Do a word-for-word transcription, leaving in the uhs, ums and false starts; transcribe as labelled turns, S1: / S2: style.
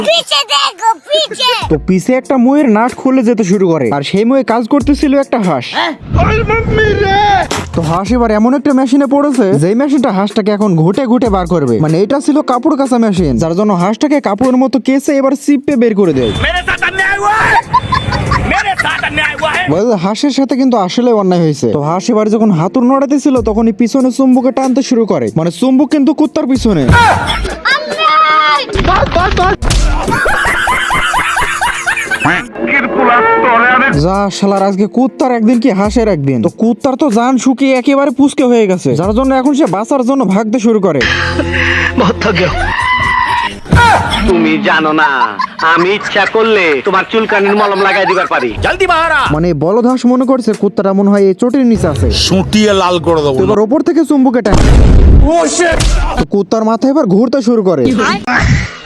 S1: তো পিছে একটা ময়ের নাট খুলে যেতে শুরু করে, আর সেই ময়ে কাজ করতেছিল একটা হাঁস। তো হাঁস এবার এমন একটা মেশিনে পড়েছে, যেই মেশিনটা হাঁসটাকে এখন ঘুটে ঘুটে বার করবে। মানে এটা ছিল কাপড় কাঁচা মেশিন, যার জন্য হাঁসটাকে কাপড়ের মতো কেসে এবার চিপে বের করে দেয়। হাঁসের সাথে কিন্তু আসলে অন্যায় হয়েছে। তো হাঁস এবার যখন হাতুড় নড়াতেছিল তখনই পিছনে চুম্বুকে টানতে শুরু করে, মানে চুম্বুক কিন্তু কুত্তার পিছনে। যা শালার, আজকে কুত্তার একদিন কি হাঁসের একদিন। তো কুত্তার তো জান শুকিয়ে একেবারে পুচকে হয়ে গেছে, যার জন্য এখন সে বাঁচার জন্য ভাগতে শুরু করে।
S2: তুমি জানো না, আমি ইচ্ছা করলে তোমার চুলকানির মলম লাগাই দিবার পারি। জলদি বাহারা।
S1: মানে বলদ হাঁস মনে করছে কুত্তাটা মনে হয় এই চটির নিচে আছে,
S3: সুটিয়ে লাল করে দেবো।
S1: তো এবার ওপর থেকে চুম্বুকে টানে। তো কুত্তার মাথা এবার ঘুরতে শুরু করে।